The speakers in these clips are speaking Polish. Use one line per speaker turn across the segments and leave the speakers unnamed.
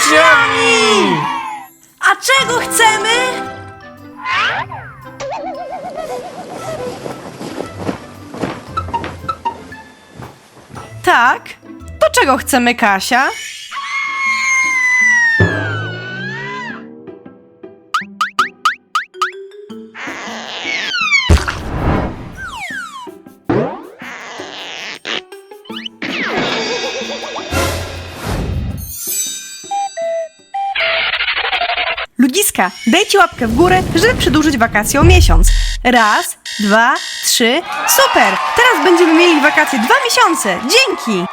uczniami!
A czego chcemy? Tak? To czego chcemy, Kasia? Ludziska, dajcie łapkę w górę, żeby przedłużyć wakacje o miesiąc. 1, 2, 3, super! Teraz będziemy mieli wakacje 2 miesiące. Dzięki!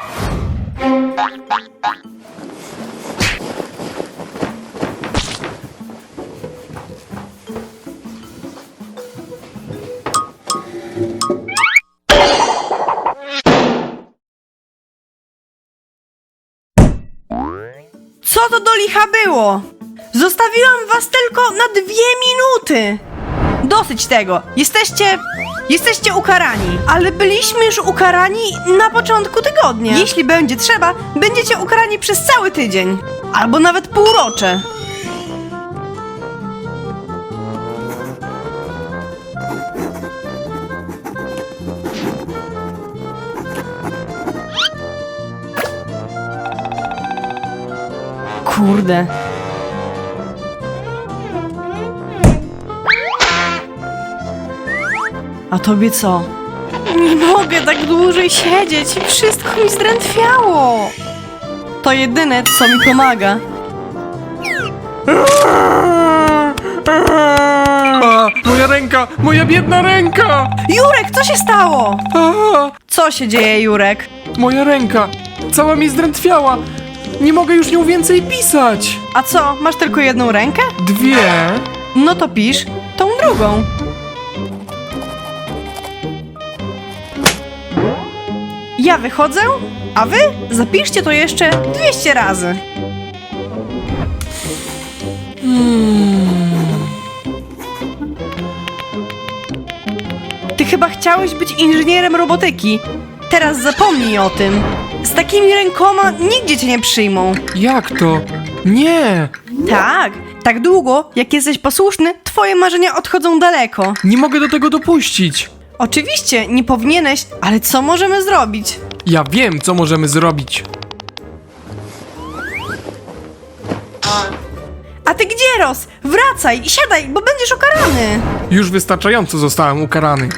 Co to do licha było? Zostawiłam was tylko na 2 minuty. Dosyć tego. Jesteście ukarani. Ale byliśmy już ukarani na początku tygodnia. Jeśli będzie trzeba, będziecie ukarani przez cały tydzień. Albo nawet półrocze. Kurde. A tobie co? Nie mogę tak dłużej siedzieć. Wszystko mi zdrętwiało. To jedyne, co mi pomaga.
A, moja ręka! Moja biedna ręka!
Jurek, co się stało?
A,
Co się dzieje, Jurek?
moja ręka! Cała mi zdrętwiała! Nie mogę już nią więcej pisać!
A co, masz tylko jedną rękę?
2.
No to pisz tą drugą. Ja wychodzę, a wy zapiszcie to jeszcze 200 razy. Ty chyba chciałeś być inżynierem robotyki. Teraz zapomnij o tym. Z takimi rękoma nigdzie cię nie przyjmą.
Jak to? Nie!
Tak długo, jak jesteś posłuszny, twoje marzenia odchodzą daleko.
Nie mogę do tego dopuścić!
Oczywiście, nie powinieneś, ale co możemy zrobić?
Ja wiem, co możemy zrobić!
A ty gdzie, Ros? Wracaj i siadaj, bo będziesz ukarany.
Już wystarczająco zostałem ukarany.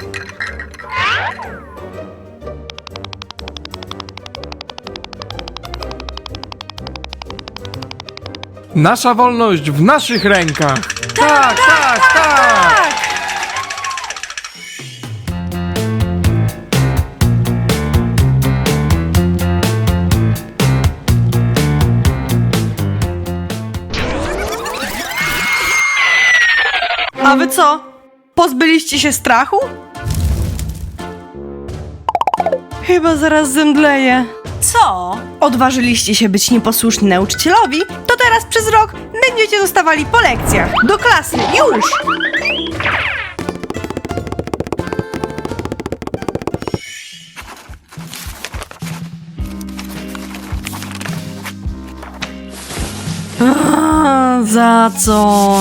Nasza wolność w naszych rękach! Tak, tak, tak!
A wy co? Pozbyliście się strachu? Chyba zaraz zemdleję. Co? Odważyliście się być nieposłuszni nauczycielowi, to teraz przez rok będziecie dostawali po lekcjach. Do klasy, już! Za co?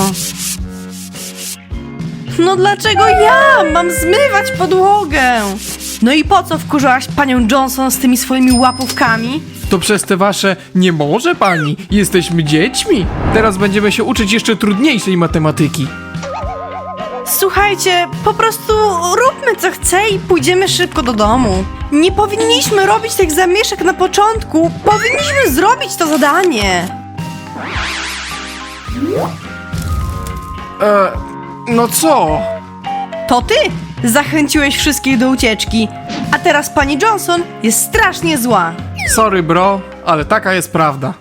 No dlaczego ja mam zmywać podłogę? No i po co wkurzałaś panią Johnson z tymi swoimi łapówkami?
To przez te wasze nie może pani, jesteśmy dziećmi. Teraz będziemy się uczyć jeszcze trudniejszej matematyki.
Słuchajcie, po prostu róbmy co chce i pójdziemy szybko do domu. Nie powinniśmy robić tych zamieszek na początku. Powinniśmy zrobić to zadanie.
No co?
To ty zachęciłeś wszystkich do ucieczki, a teraz pani Johnson jest strasznie zła.
Sorry bro, ale taka jest prawda.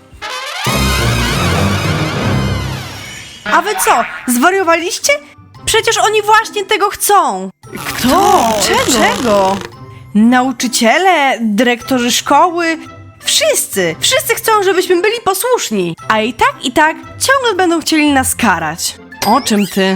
A wy co, zwariowaliście? Przecież oni właśnie tego chcą. Kto? Czego? Nauczyciele, dyrektorzy szkoły, wszyscy chcą, żebyśmy byli posłuszni. A i tak ciągle będą chcieli nas karać. O czym ty?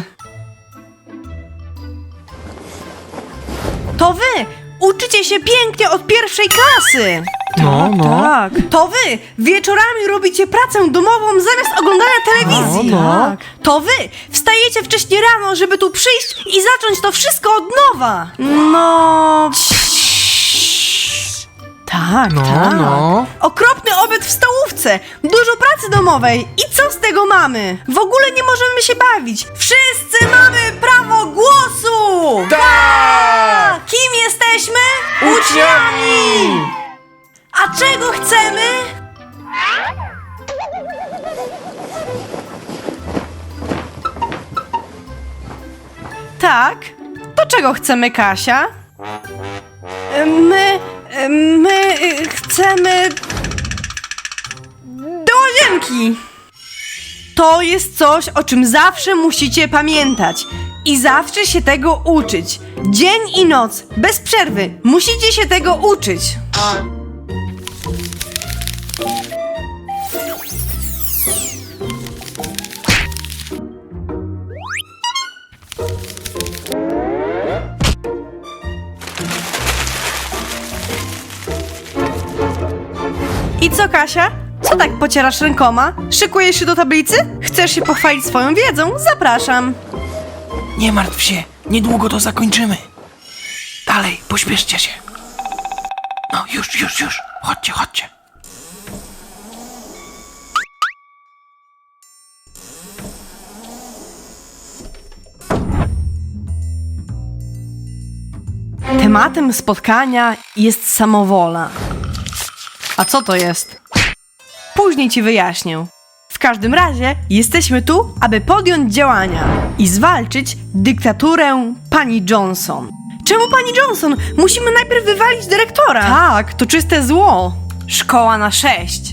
To wy uczycie się pięknie od pierwszej klasy. Tak. To wy wieczorami robicie pracę domową zamiast oglądania telewizji.
No.
To wy wstajecie wcześniej rano, żeby tu przyjść i zacząć to wszystko od nowa. No... Tak, tak. Okropny obiad w stołówce, dużo pracy domowej. I co z tego mamy? W ogóle nie możemy się bawić. Wszyscy mamy prawo głosu!
Tak!
Kim jesteśmy?
Uczniami!
A czego chcemy? Tak? To czego chcemy, Kasia? My chcemy... do łazienki! To jest coś, o czym zawsze musicie pamiętać i zawsze się tego uczyć. Dzień i noc, bez przerwy, musicie się tego uczyć. I co, Kasia? Co tak pocierasz rękoma? Szykujesz się do tablicy? Chcesz się pochwalić swoją wiedzą? Zapraszam.
Nie martw się, niedługo to zakończymy. Dalej, pośpieszcie się. No, już. Chodźcie.
Tematem spotkania jest samowola. A co to jest? Później ci wyjaśnię. W każdym razie jesteśmy tu, aby podjąć działania i zwalczyć dyktaturę pani Johnson. Czemu pani Johnson? Musimy najpierw wywalić dyrektora. Tak, to czyste zło. Szkoła na 6.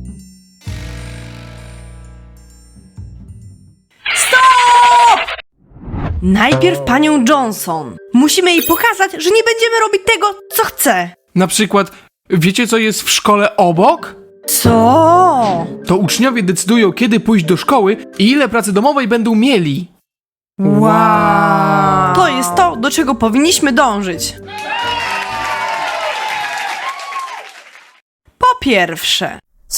Stop! Najpierw panią Johnson. Musimy jej pokazać, że nie będziemy robić tego, co chce.
Na przykład, wiecie co jest w szkole obok?
Co?
To uczniowie decydują, kiedy pójść do szkoły i ile pracy domowej będą mieli.
Wow! To jest to, do czego powinniśmy dążyć. Po pierwsze,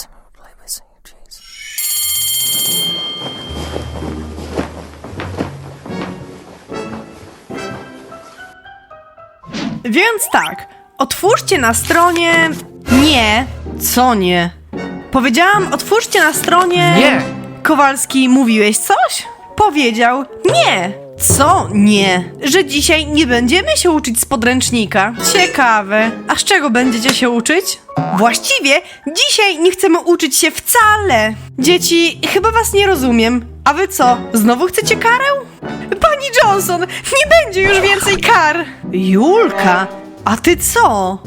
więc tak, otwórzcie na stronie... Nie, co nie? Powiedziałam, otwórzcie na stronie...
Nie!
Kowalski, mówiłeś coś? Powiedział nie. Co nie? Że dzisiaj nie będziemy się uczyć z podręcznika. Ciekawe. A z czego będziecie się uczyć? Właściwie dzisiaj nie chcemy uczyć się wcale. Dzieci, chyba was nie rozumiem. A wy co? Znowu chcecie karę? Pani Johnson, nie będzie już więcej kar. Julka, a ty co?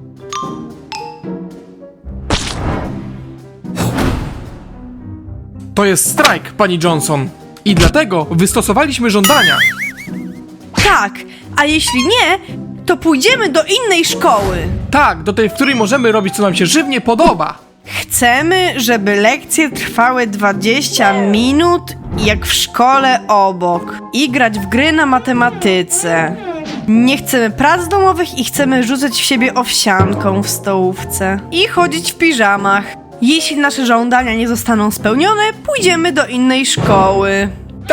To jest strajk, pani Johnson. I dlatego wystosowaliśmy żądania.
Tak, a jeśli nie, to pójdziemy do innej szkoły.
Tak, do tej, w której możemy robić, co nam się żywnie podoba.
Chcemy, żeby lekcje trwały 20 minut, jak w szkole obok. I grać w gry na matematyce. Nie chcemy prac domowych i chcemy rzucać w siebie owsianką w stołówce. I chodzić w piżamach. Jeśli nasze żądania nie zostaną spełnione, pójdziemy do innej szkoły.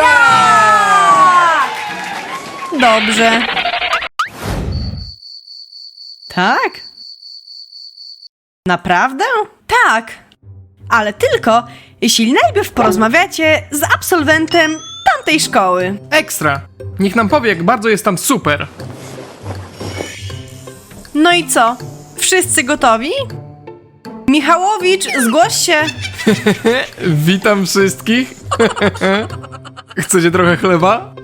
Tak! Dobrze. Tak? Naprawdę? Tak. Ale tylko, jeśli najpierw porozmawiacie z absolwentem tamtej szkoły.
Ekstra. Niech nam powie, jak bardzo jest tam super.
No i co? Wszyscy gotowi? Michałowicz, zgłoś się.
Witam wszystkich. Chcecie trochę chleba?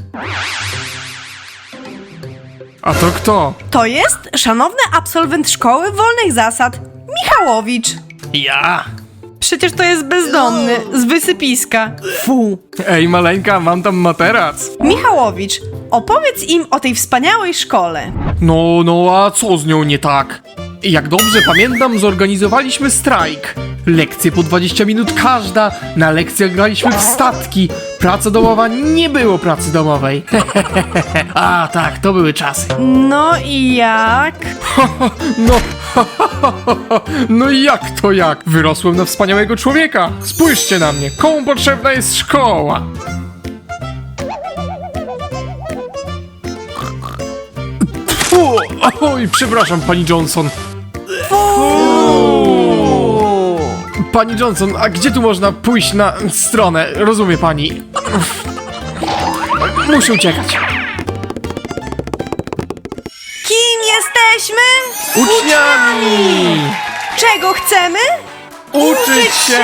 A to kto?
To jest szanowny absolwent szkoły wolnych zasad, Michałowicz.
Ja.
Przecież to jest bezdomny, z wysypiska. Fu.
Ej, maleńka, mam tam materac.
Michałowicz, opowiedz im o tej wspaniałej szkole.
No, a co z nią nie tak? Jak dobrze pamiętam, zorganizowaliśmy strajk. Lekcje po 20 minut każda. Na lekcjach graliśmy w statki. Praca domowa nie było pracy domowej. A tak, to były czasy.
No i jak?
No, no i jak to jak? Wyrosłem na wspaniałego człowieka. Spójrzcie na mnie, komu potrzebna jest szkoła? Fu, oj, przepraszam, pani Johnson. Pani Johnson, a gdzie tu można pójść na stronę? Rozumie pani? Muszę uciekać.
Kim jesteśmy?
Uczniami!
Czego chcemy?
Uczyć się!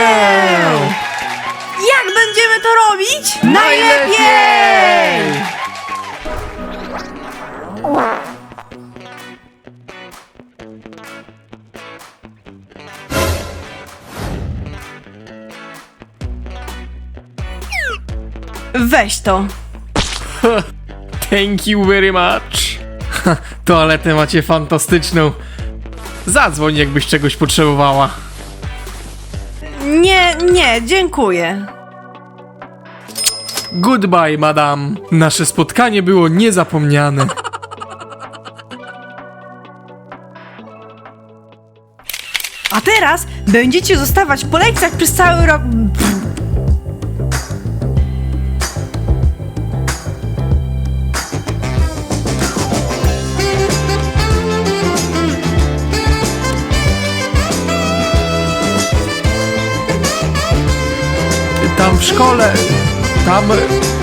Jak będziemy to robić?
Najlepiej!
Weź to.
Thank you very much. Toaletę macie fantastyczną. Zadzwoń, jakbyś czegoś potrzebowała.
Nie, dziękuję.
Goodbye, madam. Nasze spotkanie było niezapomniane.
A teraz będziecie zostawać po lekcjach przez cały rok.
Tam w szkole, tam